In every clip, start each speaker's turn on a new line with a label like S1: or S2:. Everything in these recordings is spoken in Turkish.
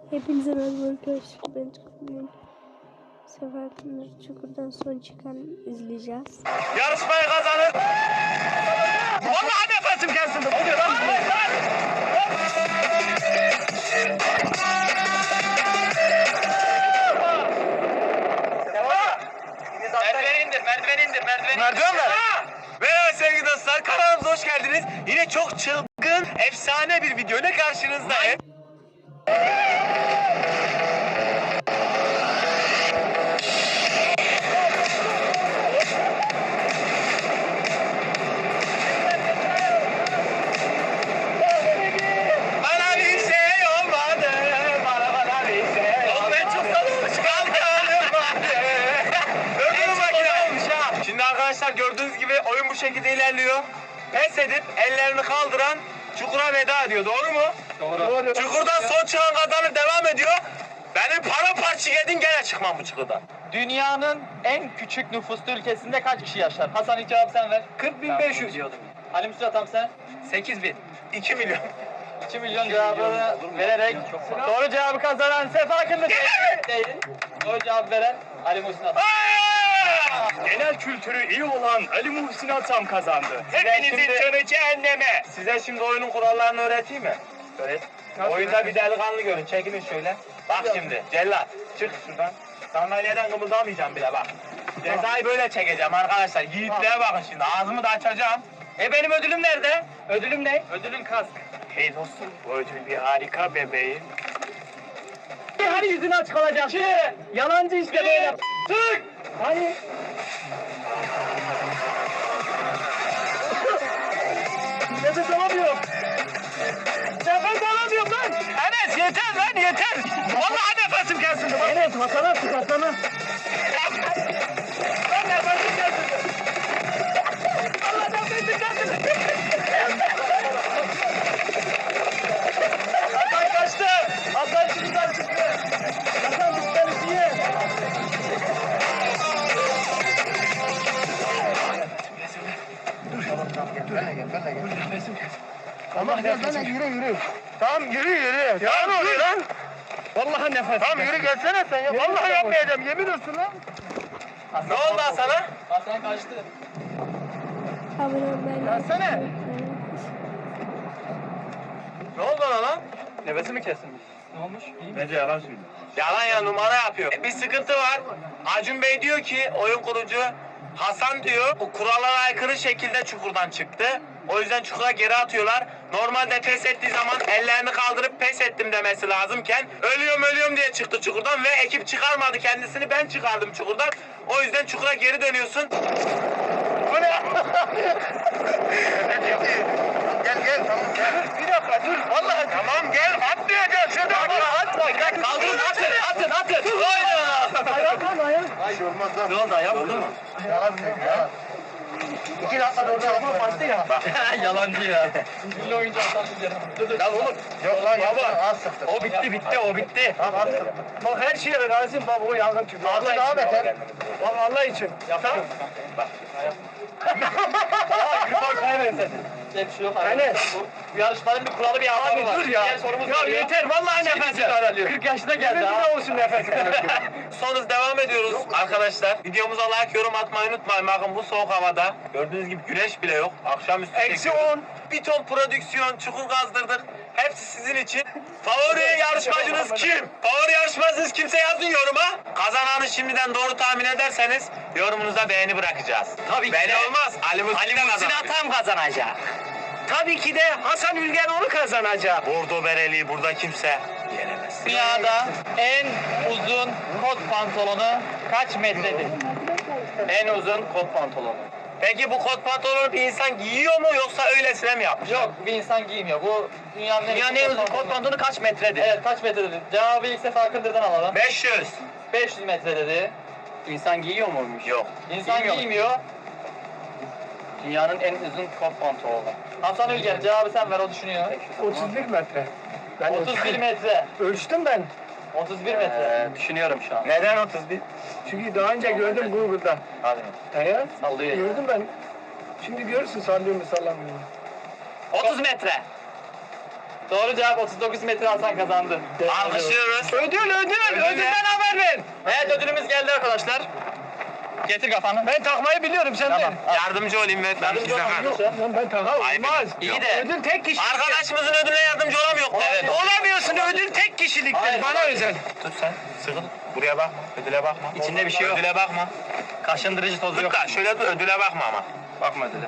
S1: Hepinize merhaba arkadaşlar. Ben Çukur'un sefer Çukur'dan son çıkan izleyeceğiz.
S2: Yarışmayı kazanır. Vallahi nefesim kesildi. Oluyor lan. Merdiven ver. Merhaba sevgili dostlar. Kanalımıza hoş geldiniz. Yine çok çılgın, efsane bir video ile karşınızdayım. Bana bir şey olmadı. Bana bir şey olmadı. Ben çok salınmış kalkanım vardı. Ödülü makine olmuş ha. Şimdi arkadaşlar gördüğünüz gibi oyun bu şekilde ilerliyor. Pes edip ellerini kaldıran çukura veda ediyor. Doğru mu? Doğru. Çukurdan son çıkan kazanır devam ediyor. Benim paramparça yedin gene çıkmam bu çukurdan.
S3: Dünyanın en küçük nüfuslu ülkesinde kaç kişi yaşar? Hasan ilk cevabı sen ver.
S2: 40.500 diyordum.
S3: Ali Müslüman tam sen.
S2: 8.000. 2 milyon.
S3: 2 milyon cevabını vererek doğru cevabı kazanan Sefa Akınlı değil. Doğru cevap veren Ali Müslüman.
S2: Genel kültürü iyi olan Ali Muhsin Atam kazandı. Hepinizin
S3: şimdi-
S2: canı cehenneme. Size şimdi oyunun kurallarını öğreteyim mi? Öğret. Oyunda bir delikanlı görün. Çekilin şöyle. Bak şimdi. Cellat. Çık şuradan. Sandalyeden kımıldamayacağım bile bak. Cezayı böyle çekeceğim arkadaşlar. Yiğitliğe bakın şimdi. Ağzımı da açacağım. Benim ödülüm nerede? Ödülüm ne?
S3: Ödülün kask.
S2: Hey dostum. Bu ödül bir harika bebeğim.
S3: Hadi yüzünü açık olacak. Yalancı işte böyle.
S2: Tık.
S3: Hani? Nefes alamıyorum. Nefes alamıyorum lan.
S2: Enes yeter lan yeter. Vallahi nefesim kesildi. Bak.
S3: Enes Hasan'a sık Hasan'a.
S2: Lan nefesim kesildi. Allah nefesim kesildi.
S3: Hasan kaçtı. Hasan şimdiden çıktı. Hasan bizden iyi.
S2: Allah nefesim. Yürü. Tamam yürü. Ya ne oluyor lan?
S3: Vallahi nefes.
S2: Tamam yürü gelsene sen ya. Vallahi yapmayacağım yemin olsun lan. Ne oldu Hasan'a?
S3: Hasan kaçtı.
S1: Abone olmayı,
S2: Gelsene. Ne oldu ona lan?
S3: Nefesi mi kesilmiş? Ne olmuş? İyi mi?
S2: Bence yalan söylüyor. Yalan ya numara yapıyor. Bir sıkıntı var. Acun Bey diyor ki oyun kurucu Hasan diyor bu kurallara aykırı şekilde çukurdan çıktı. O yüzden çukura geri atıyorlar. Normalde pes ettiği zaman ellerini kaldırıp pes ettim demesi lazımken ölüyorum diye çıktı çukurdan ve ekip çıkarmadı kendisini, ben çıkardım çukurdan. O yüzden çukura geri dönüyorsun. Bu ne? Gel tamam gel. Bir dakika dur vallahi. Tamam gel atlayacağız şurada. Atla gel. Kaldırın atın. Hayda.
S3: Ayak.
S2: şey olmaz lan. Ne oldu ayağı vurdu mu? Yalan. 2 dakika orada ama bastı ya.
S3: Yalancı ya. Ünlü oyuncu Hasan Bilgen. Dur.
S2: Lan oğlum. Yok lan baba. O bitti. Tamam az sıktı.
S3: Bak her şeye razıyım baba o yangın tüpü.
S2: Allah daha beter.
S3: Bak Allah için. Yaptım.
S2: Bak.
S3: Bak kaybetsin. Bir şey yok. Enes. Bu yarışmanın bir kuralı bir adabı var.
S2: Dur ya.
S3: Diğer sorumuz
S2: Ya
S3: var
S2: yeter vallahi nefesim daralıyor.
S3: 40 yaşına geldi ha.
S2: Ne olsun nefesim. Son hız devam ediyoruz arkadaşlar. Videomuza like, yorum atmayı unutmayın. Bakın bu soğuk havada. Gördüğünüz gibi güneş bile yok. Akşamüstü
S3: Eksi
S2: 10. Bir ton prodüksiyon, çukur kazdırdık. Hepsi sizin için. Favori yarışmacınız kim? Favori yarışmacınız kimse yazın yoruma. Kazananı şimdiden doğru tahmin ederseniz yorumunuza beğeni bırakacağız.
S3: Tabii ki
S2: Beğeni
S3: de
S2: olmaz. Ali Muhsin
S3: Atam kazanacak.
S2: Tabii ki de Hasan Ülgen onu kazanacak. Bordo bereli burada kimse yenemez.
S3: Dünyada en uzun kot pantolonu kaç metredir? En uzun kot pantolonu.
S2: Peki bu kot pantolonu bir insan giyiyor mu yoksa öylesine mi yapmış?
S3: Yok bir insan giymiyor. Bu dünyanın
S2: en uzun kot pantolonu kaç metredir?
S3: Evet kaç metredir? Cevabı ilk sefer Akındır'dan alalım.
S2: 500.
S3: 500 metre dedi.
S2: İnsan giyiyor muymuş? Yok.
S3: İnsan giymiyor.
S2: Dünyanın en uzun kot pantolonu.
S3: Hasan Ülgen cevabı sen ver o düşünüyor.
S4: 31 metre. Ben
S3: 31 metre.
S4: ölçtüm ben.
S3: 31 metre.
S2: Düşünüyorum şu an. Neden 31?
S4: Çünkü daha önce gördüm Google'da.
S2: Hadi.
S4: Evet.
S2: Sallıyor.
S4: Gördüm ben. Şimdi görürsün sallıyor mu sallamıyor mu.
S2: 30 metre.
S3: Doğru cevap 39 metre Hasan kazandı.
S2: Alkışlıyoruz.
S4: Ödül.
S2: ne?
S4: Ödülden haber ver.
S3: Evet ödülümüz geldi arkadaşlar. Getir kafanı.
S4: Ben takmayı biliyorum sen
S3: Tamam.
S4: ver.
S2: Yardımcı olayım ben.
S3: Yardımcı
S2: size
S3: olmam
S2: kaldım.
S3: yoksa.
S4: Lan ben takam
S2: Ayıp
S4: olmaz.
S3: İyi de.
S4: Ödül tek kişilik.
S2: Arkadaşımızın ödülüne yardımcı olamıyor. Evet.
S4: Olamıyorsun, ödül tek kişiliktir.
S3: Hayır,
S4: Bana
S3: hayır.
S4: özel.
S2: Tut sen. Sıkıl. Buraya bakma. Ödüle bakma.
S3: İçinde bir şey yok.
S2: Ödüle bakma.
S3: Kaşındırıcı tozu
S2: Tut
S3: yok.
S2: da şöyle dur. Ödüle bakma ama.
S3: Bakma ödüle.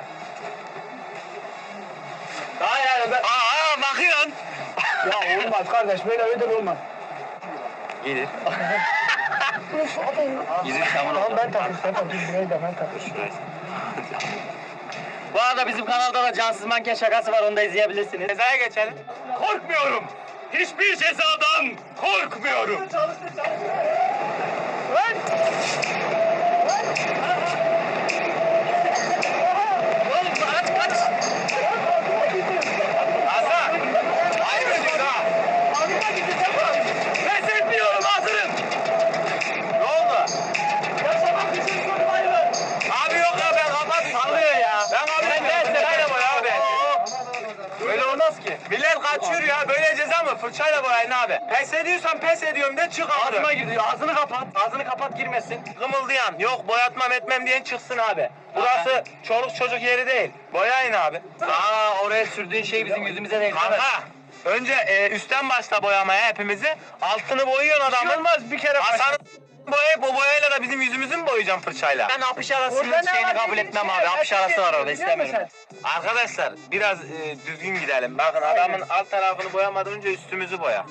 S3: Hayır ben...
S2: Aa bakıyorsun.
S4: Ya olmaz kardeş, böyle ödül olmaz.
S2: Gelir.
S3: Yüzük tamam.
S4: Tamam ben takayım, sen takayım. Burayı da ben takayım.
S3: Bu arada bizim kanalda da cansız manken şakası var, onu da izleyebilirsiniz.
S2: Cezaya geçelim.
S3: Korkmuyorum. Hiçbir cezadan korkmuyorum. Oğlum kaç.
S2: Hasan. Ayıp ediyorsun ha.
S3: Pes etmiyorum, hazırım.
S2: Ne oldu?
S3: Yaşamak için kurbayım.
S2: Abi yok ya ben kapat.
S3: Sallıyor ya.
S2: Ben abi ben sırayla boya abi.
S3: Böyle olmaz ki.
S2: Millet kaçıyor ya. Böyle ceza mı? Fırçayla boyayın abi. Pes ediyorsan pes ediyorum de çık abi.
S3: Ağzıma giriyor. Ağzını kapat. Ağzını kapat, girmesin.
S2: Kımıldayan, yok boyatmam etmem diyen çıksın abi. Burası çoluk çocuk yeri değil. Boyayın abi.
S3: Oraya sürdüğün şey bizim yüzümüze değil.
S2: Kanka, önce üstten başla boyamaya hepimizi. Altını boyuyorsun
S4: Bir şey
S2: adamın.
S4: olmaz, bir kere
S2: Hasan'ı boyayıp o boyayla da bizim yüzümüzü mü boyayacağım fırçayla?
S3: Ben apış arasının
S4: Orada ne
S3: şeyini
S4: var
S3: kabul
S4: dediğin
S3: etmem
S4: şey,
S3: abi. Apış
S4: her
S3: arası
S4: şey
S3: var orada,
S4: biliyor musun
S3: istemiyorum.
S2: Arkadaşlar biraz düzgün gidelim. Bakın adamın alt tarafını boyamadan önce üstümüzü boya.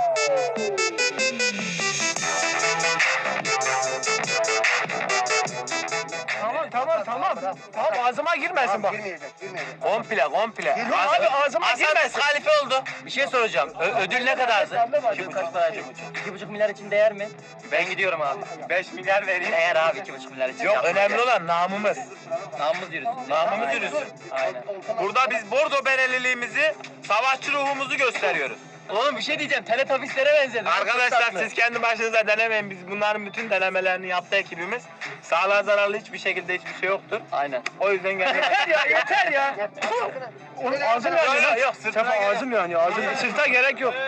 S4: Tamam. Tamam ağzıma girmesin bak.
S2: Komple.
S4: Yok abi, ağzıma
S2: Hasan
S4: girmesin.
S2: diskalifiye oldu.
S3: Bir şey soracağım. Ödül ne kadardı? Ödül kaç para? 2,5 milyar için değer mi? Ben gidiyorum abi.
S2: 5 milyar vereyim.
S3: Değer abi 2,5 milyar için.
S2: Yok
S3: Yapma.
S2: önemli olan namımız.
S3: Namımız yürüsün.
S2: Namımız yürüsün.
S3: Aynen.
S2: Burada biz bordo bereliliğimizi, savaşçı ruhumuzu gösteriyoruz.
S3: Oğlum bir şey diyeceğim. Teletabislere benzedi.
S2: Arkadaşlar siz kendi başınıza denemeyin. Biz bunların bütün denemelerini yaptı ekibimiz. Sağlığa zararlı hiçbir şekilde hiçbir şey yoktur.
S3: Aynen.
S2: O yüzden geldik.
S4: Yeter ya. Oğlum ağzım yanıyor lan.
S2: Yok, sırtına
S4: Sefa
S2: gerek-
S4: ağzım yanıyor. Sırta gerek yok.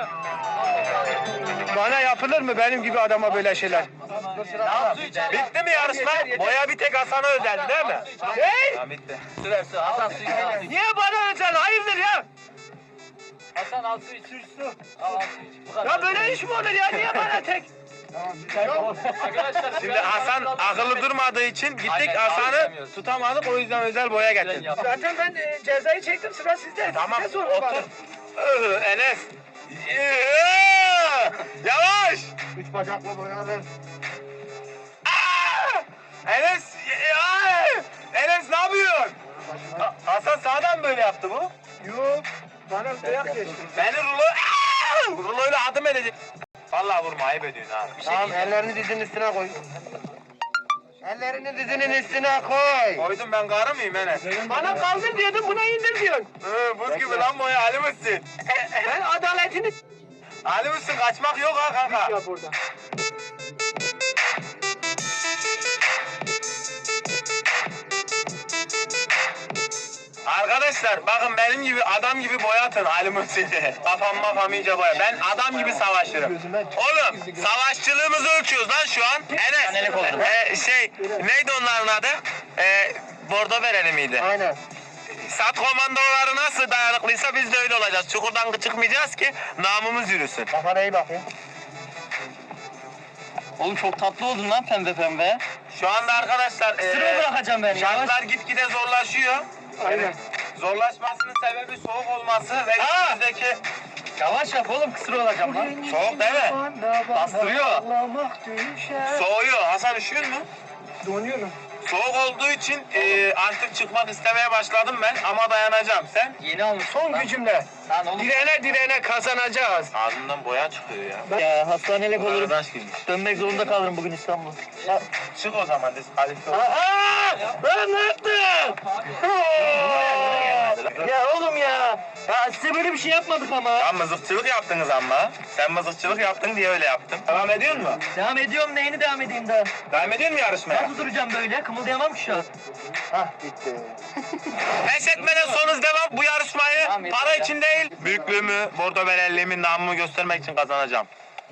S4: Bana yapılır mı benim gibi adama böyle şeyler?
S2: Bitti mi yarışma? Boya bir tek Hasan'a özeldi değil mi?
S4: Hey!
S2: Tamam bitti.
S3: Su ver su. Hasan suyu al suyu.
S4: Niye bana özel? Hayırdır ya?
S3: Hasan al suyu. Su. Al suyu. Bu kadar.
S4: Ya böyle iş mi olur ya? Niye bana tek?
S3: Arkadaşlar
S2: Şimdi Hasan akıllı durmadığı için gittik
S3: Aynen,
S2: Hasan'ı
S3: alışamıyoruz.
S2: tutamadık o yüzden özel boya getirdik.
S4: Zaten ben cezayı çektim, sıra sizde.
S2: Tamam
S4: Size sorun bana.
S2: otur. Enes. Yavaş.
S4: Üç bacakla boyanır.
S2: Enes. Enes ne yapıyorsun? Hasan sağdan böyle yaptı bu.
S4: Yok. Bana dayak geçti.
S2: Beni ruloyla adım edecek. Vallahi vurma ayıp ediyorsun ha.
S4: Tamam, ellerini dizinin üstüne koy. Ellerini dizinin üstüne koy.
S2: Koydum ben karı mıyım Enes?
S4: Bana kaldır diyordun, buna indir diyorsun.
S2: Buz gibi lan boya Ali mısın?
S4: Ben adaletini
S2: Ali mısın kaçmak yok ha kanka.
S4: yap burada.
S2: Arkadaşlar bakın benim gibi adam gibi boyatın Ali Muhsin'i. Kafam iyice boya. Ben adam gibi savaşırım. Oğlum savaşçılığımızı ölçüyoruz lan şu an. Enes.
S3: Senelik olurum.
S2: Neydi onların adı? Bordo bereli miydi?
S4: Aynen.
S2: Sat komandoları nasıl dayanıklıysa biz de öyle olacağız. Çukurdan çıkmayacağız ki namımız yürüsün.
S4: Kafana iyi bak ya.
S3: Oğlum çok tatlı oldun lan pembe pembe.
S2: Şu anda arkadaşlar
S3: Sıraya bırakacağım ben. Yavaş.
S2: şartlar gitgide zorlaşıyor.
S4: Aynen.
S2: Zorlaşmasının sebebi soğuk olması ve üstümüzdeki
S3: Yavaş yap oğlum, kısır olacağım lan.
S2: soğuk değil mi?
S3: Bastırıyor.
S2: Soğuyor. Hasan üşüyor mu?
S4: Donuyorum.
S2: Soğuk olduğu için artık çıkmak istemeye başladım ben ama dayanacağım. Sen?
S3: Yeni almış.
S4: Son gücümle.
S3: Lan oğlum.
S4: Direne kazanacağız.
S2: Ağzından boya çıkıyor ya.
S3: Ya hastanelik olurum.
S2: Arkadaş girmiş.
S3: Dönmek zorunda kalırım bugün İstanbul'a.
S2: Çık o zaman diskalifiye ol.
S4: Aa! Ben ne yaptım?
S2: hazır.
S3: Ya oğlum ya. Ya size böyle bir şey yapmadık ama.
S2: Ya mızıkçılık yaptınız ama. Sen mızıkçılık yaptın diye öyle yaptım. Devam ediyor mu?
S3: Devam ediyorum, neyini devam edeyim daha?
S2: Devam ediyor mu yarışmaya?
S3: Nasıl duracağım böyle? Kımıldayamam ki şu an.
S2: Pes etmeden son hız devam. Bu yarışmayı
S3: Tamam, yeter
S2: para
S3: ya.
S2: için değil, büyüklüğümü, bordo berelliğimi, namımı göstermek için kazanacağım.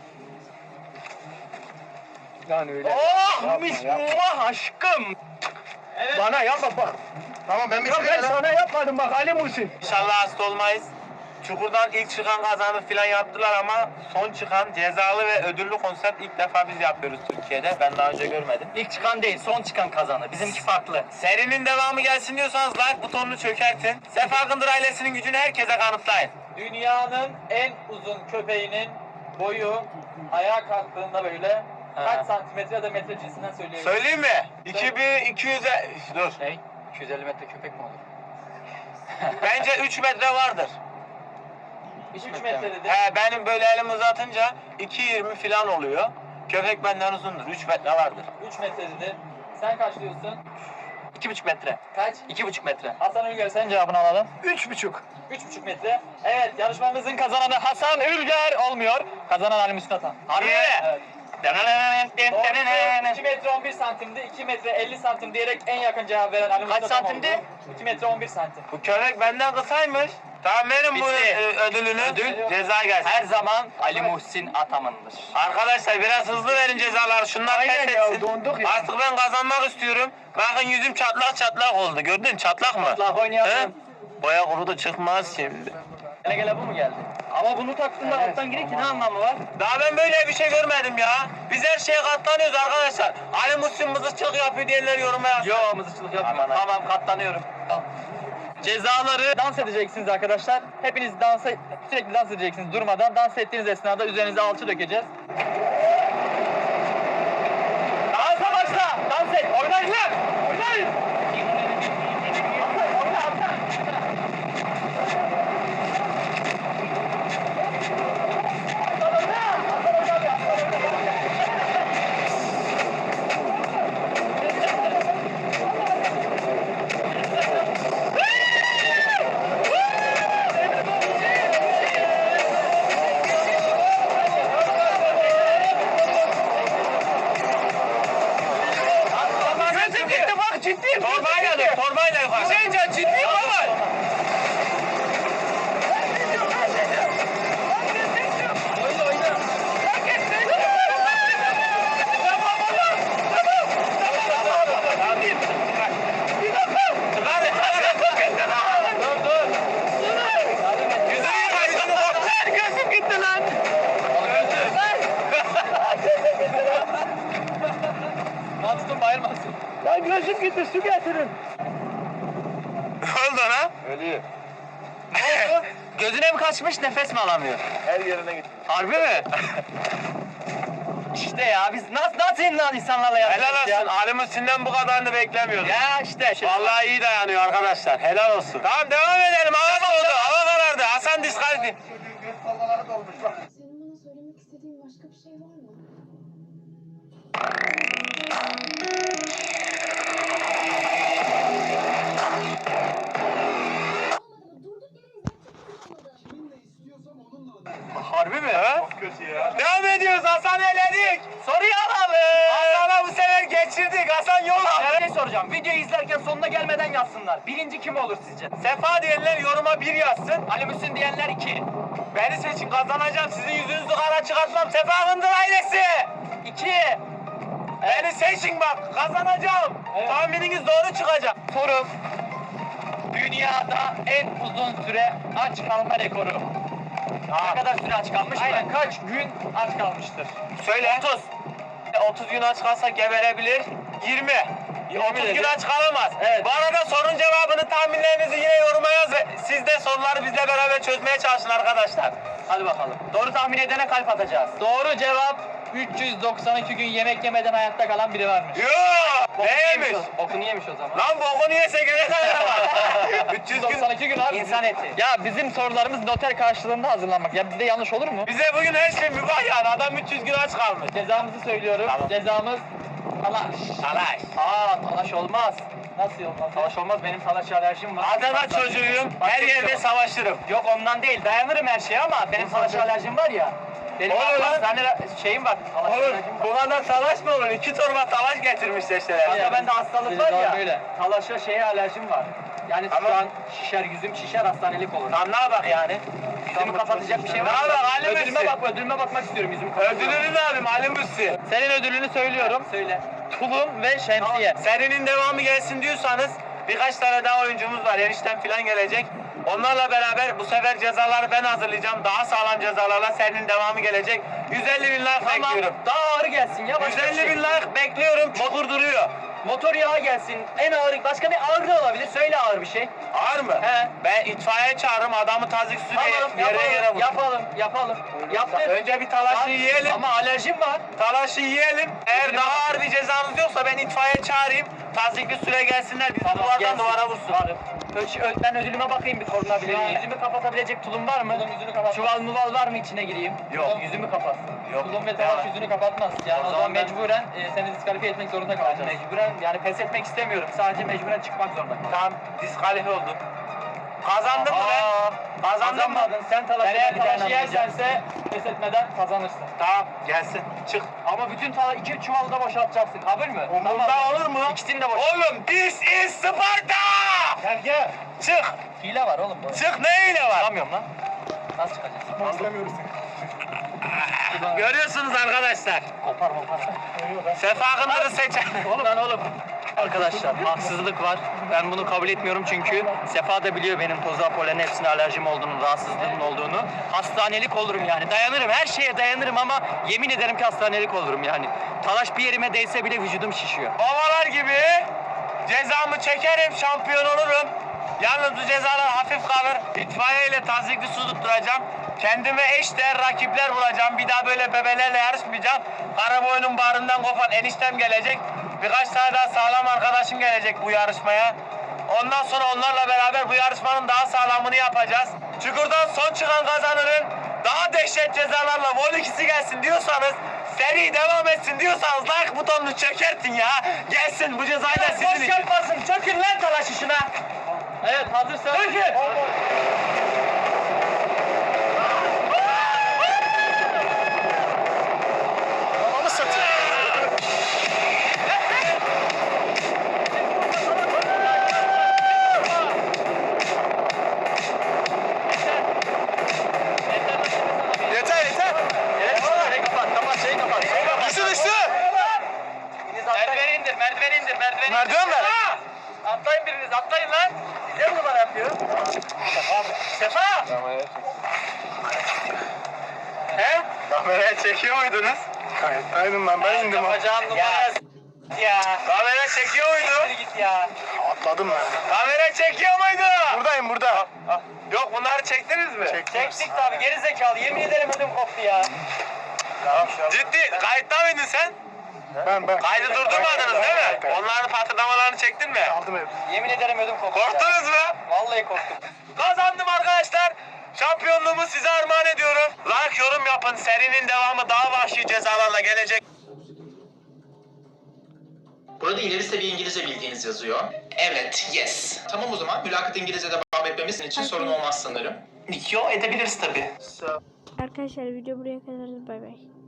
S3: Yani öyle.
S2: Oh bismillah aşkım.
S3: Evet.
S4: Bana yapma bak. Tamam ben bir şey ben sana yapmadım bak Ali Muhsin.
S2: İnşallah hasta olmayız. Çukurdan ilk çıkan kazanı filan yaptılar ama son çıkan cezalı ve ödüllü konsept ilk defa biz yapıyoruz Türkiye'de. Ben daha önce görmedim.
S3: İlk çıkan değil, son çıkan kazanır. Bizimki farklı.
S2: Serinin devamı gelsin diyorsanız like butonunu çökertin. Sefa Kındır ailesinin gücünü herkese kanıtlayın.
S3: Dünyanın en uzun köpeğinin boyu ayağa kalktığında böyle kaç santimetre ya da metre cinsinden söyleyebilirim.
S2: Söyleyeyim mi? 2200 dur.
S3: 250 metre köpek mi olur?
S2: Bence 3 metre vardır.
S3: 3 metre dedi.
S2: He, benim böyle elimi uzatınca 2.20 filan oluyor. Köpek benden uzundur. 3 metre vardır.
S3: 3 metre dedi. Sen kaç diyorsun?
S2: 2,5 metre.
S3: Kaç?
S2: 2,5 metre.
S3: Hasan Ülger, sen cevabını alalım.
S4: 3,5.
S3: 3,5 metre. Evet, yarışmamızın kazananı Hasan Ülger olmuyor. Kazanan Ali Müslüm Atan.
S2: Harbi mi?
S3: Evet. 2 metre 11 santimdi, 2 metre 50 santim diyerek en yakın cevap veren Ali Müslüm Atan
S2: santimdi?
S3: oldu. 2 metre 11 santim.
S2: Bu köpek benden kısaymış. Tamam verin bu
S3: Bitti.
S2: ödülünü.
S3: Ödül.
S2: Ceza gelsin.
S3: Her zaman Ali Muhsin Ataman'dır.
S2: Arkadaşlar biraz hızlı verin cezaları. Şunlar
S4: Aynen
S2: pes
S4: ya,
S2: etsin.
S4: donduk ya.
S2: Artık ben kazanmak istiyorum. Bakın yüzüm çatlak çatlak oldu. Gördün çatlak mı?
S3: Çatlak oynayalım.
S2: He? Boya kurudu çıkmaz şimdi.
S3: Gele gele bu mu geldi? Ama bunu taktığında alttan girer ki ne anlamı var?
S2: Daha ben böyle bir şey görmedim ya. Biz her şeye katlanıyoruz arkadaşlar. Ali Muhsin mızıkçılık yapıyor diyenler yoruma yazsın.
S3: Yo, mızıkçılık yapmıyorum.
S2: Aman,
S3: Tamam, katlanıyorum. Tamam. Cezaları dans edeceksiniz arkadaşlar. Hepiniz sürekli dans edeceksiniz durmadan. Dans ettiğiniz esnada üzerinize alçı dökeceğiz. Dansa başla! Dans et! Oynayın lan! Oynayın! Oyna, oyna!
S2: Gözüm gitti bak ciddiyim. Torbayla dur torbayla yukarı. Hüseyincan ciddiyim baba. Gözüm gitti lan.
S3: Lan tutun bayılmasın.
S4: Lan gözüm gitti su getirin.
S2: Ne oldu lan?
S4: Ölüyor.
S3: Gözüne mi kaçmış, nefes mi alamıyor?
S4: Her yerine gitti.
S3: Harbi mi? İşte ya biz nasıl insanlarla yapacağız
S2: Helal olsun. Ali Muhsin'den bu kadarını beklemiyordum.
S3: Ya işte.
S2: Vallahi iyi dayanıyor arkadaşlar. Helal olsun. Tamam devam edelim. Hava soğudu. Hava karardı. Hasan diskalifi.
S5: Senin bana söylemek istediğin başka bir şey var mı? Olmadı mı? Durduk yere hizmet olmadı.
S2: Harbi mi? Ha? Çok kötü ya. Devam ediyoruz. Hasan eledik.
S3: Soruyu alalım.
S2: Hasan'a bu sefer geçirdik. Hasan yol aldı.
S3: Bir şey soracağım. Videoyu izlerken sonuna gelmeden yazsınlar. Birinci kim olur sizce?
S2: Sefa diyenler yoruma 1 yazsın.
S3: Ali Müslüm diyenler 2.
S2: Beni seçin kazanacağım. Sizin yüzünüzü kara çıkartmam. Sefa Kındır ailesi.
S3: 2.
S2: Beni seçin bak. Kazanacağım.
S3: Evet.
S2: Tahmininiz doğru çıkacak.
S3: Sorum. Dünyada en uzun süre aç kalma rekoru. Ne kadar süre aç kalmış? Aynen, kaç gün aç kalmıştır?
S2: Söyle. 30 gün aç kalsa geberebilir. 20. 30 gün
S3: dedi.
S2: aç kalamaz.
S3: Evet.
S2: Bu arada sorun cevabını tahminlerinizi yine yoruma yaz ve siz de soruları bizle beraber çözmeye çalışın arkadaşlar.
S3: Hadi bakalım. Doğru tahmin edene kalp atacağız. Doğru cevap 392 gün yemek yemeden hayatta kalan biri varmış.
S2: Yoo! Neymiş?
S3: Bokunu yemiş o zaman.
S2: Lan bokunu yese gene kadar var. 300 gün.
S3: 92 gün abi. İnsan eti. Ya bizim sorularımız noter karşılığında hazırlanmak. Ya bizde yanlış olur mu?
S2: Bize bugün her şey mübah yani. Adam 300 gün aç kalmış.
S3: Cezamızı söylüyorum.
S2: Tamam.
S3: Cezamız talaş.
S2: Salaş.
S3: Talaş olmaz. Nasıl olmaz? Savaş olmaz. Benim talaş alerjim var.
S2: Adana çocuğuyum. Her yerde savaşırım.
S3: Yok ondan değil. Dayanırım her şeye ama benim talaş alerjim var ya. Benim
S2: Olur lan.
S3: hastane şeyim var. Talaş
S2: Oğlum
S3: alerjim var.
S2: bu kadar savaş mı olur? 2 torba savaş getirmişler işte.
S3: Kanka bende hastalık var ya.
S6: Böyle.
S3: Talaşa şeye alerjim var. Yani
S2: Ama-
S3: şu an şişer, yüzüm şişer, hastanelik olur.
S2: Tamam ne bak yani?
S3: Yüzümü kapatacak bir şey var.
S2: Ne yapalım, halim
S3: Ödülüme
S2: misin?
S3: bak, ödülüme bakmak istiyorum yüzümü kapatıyorum.
S2: Ödülünü ne yapayım Halim Müssi?
S3: Senin ödülünü söylüyorum. Söyle. Tulum ve şemsiye.
S2: Serinin devamı gelsin diyorsanız birkaç tane daha oyuncumuz var. Enişten falan gelecek. Onlarla beraber bu sefer cezaları ben hazırlayacağım. Daha sağlam cezalarla serinin devamı gelecek. 150 bin like
S3: Tamam.
S2: bekliyorum.
S3: Daha ağır gelsin ya. Başka
S2: 150
S3: bir şey.
S2: bin like bekliyorum. Çukur duruyor.
S3: Motor yağı gelsin. En ağır, başka bir ağır da olabilir. Söyle ağır bir şey.
S2: Ağır mı?
S3: He.
S2: Ben itfaiye çağırırım. Adamı tazik süreye
S3: Tamam,
S2: yere vurur.
S3: yapalım. Yaptık.
S2: Önce bir talaşı yiyelim.
S3: Ama alerjim var.
S2: Talaşı yiyelim. Eğer daha ağır bir cezanız yoksa ben itfaiye çağırayım. Tazikli süre gelsinler. Bizi duvardan
S3: gelsin.
S2: duvara vursun.
S3: Varım. Ben ödülüme bakayım bir korunabilir miyim? Yüzümü kapatabilecek tulum var mı? Yüzünü kapat. Çuval muval var mı içine gireyim?
S2: Yok.
S3: Yüzümü kapat.
S2: Yok.
S6: Tulum ve talaş yüzünü kapatmaz. Yani o zaman
S3: ben-
S6: mecburen seni diskalifiye etmek zorunda kalacağız.
S3: Mecburen yani pes etmek istemiyorum. Sadece mecburen çıkmak zorunda kalacağım.
S2: Tamam, diskalifiye oldum. Kazandım mı ben? Kazandım mı?
S3: Kazanmadın. Sen talaşı
S6: Eğer talaşı yersense pes etmeden kazanırsın.
S2: Tamam, gelsin. Çık.
S3: Ama bütün iki çuvalı da boşaltacaksın. Kabul mü?
S2: Umurumda olur mu?
S3: İkisini de boş.
S2: Oğlum, this is Sparta!
S3: Gel.
S2: Çık.
S3: Hile var oğlum bu.
S2: Çık, ne ile var?
S3: Çıkamıyorum lan. Nasıl çıkacaksın?
S2: Görüyorsunuz arkadaşlar.
S3: Kopar.
S2: Sefa Akındır'ı seçen.
S3: Oğlum. Arkadaşlar haksızlık var. Ben bunu kabul etmiyorum çünkü Sefa da biliyor benim toza, polen hepsine alerjim olduğunu, rahatsızlığımın olduğunu. Hastanelik olurum yani. Dayanırım, her şeye dayanırım ama yemin ederim ki hastanelik olurum yani. Talaş bir yerime değse bile vücudum şişiyor.
S2: Babalar gibi cezamı çekerim, şampiyon olurum. Yalnız bu cezalar hafif kalır. İtfaiye ile tazikli su tutturacağım. Kendime eşdeğer rakipler bulacağım. Bir daha böyle bebelerle yarışmayacağım. Karaboyunun bağrından kopan eniştem gelecek. Birkaç tane daha sağlam arkadaşım gelecek bu yarışmaya. Ondan sonra onlarla beraber bu yarışmanın daha sağlamını yapacağız. Çukurdan son çıkan kazanırın daha dehşet cezalarla Vol 2'si gelsin diyorsanız, seri devam etsin diyorsanız like butonunu çökertin ya. Gelsin bu cezayı da sizin için.
S3: yapmasın. Çökün lan talaş işine.
S6: Evet hazırsan.
S3: Çökün.
S4: Ananı satayım. Yeter yeter.
S3: Şeyi kapat.
S4: Düştü düştü.
S3: Merdiveni indir.
S4: Merdiven ver.
S3: Atlayın biriniz, atlayın lan. Size mi numara yapıyor? Sefa!
S2: He? Kameraya çekiyor muydunuz?
S4: Aynen lan ben indim ha.
S3: Yapacağın numara ya.
S2: Kamera çekiyor muydu?
S3: Git ya.
S4: Atladım ben.
S2: Kamera çekiyor muydu?
S4: Buradayım burada.
S2: Yok bunları çektiniz mi?
S3: Çektik tabi, geri zekalı. Yemin ederim ödüm koptu ya.
S2: Ciddi. Kayıtta mıydın sen?
S4: Ben.
S2: Kaydı durdurmadınız değil mi? Onların patırdamalarını çektin mi?
S4: Aldım hep.
S3: Yemin ederim ödüm koptu ya.
S2: Korktunuz mu?
S3: Vallahi korktum.
S2: Kazandım arkadaşlar. Şampiyonluğumu size armağan ediyorum. Like, yorum yapın. Serinin devamı daha vahşi cezalarla gelecek.
S7: Burada ileri seviye İngilizce bildiğiniz yazıyor. Evet, yes. Tamam o zaman mülakat İngilizce devam etmemiz için sorun olmaz sanırım.
S2: Yo edebiliriz tabii.
S1: Arkadaşlar video buraya kadar. Bay bay.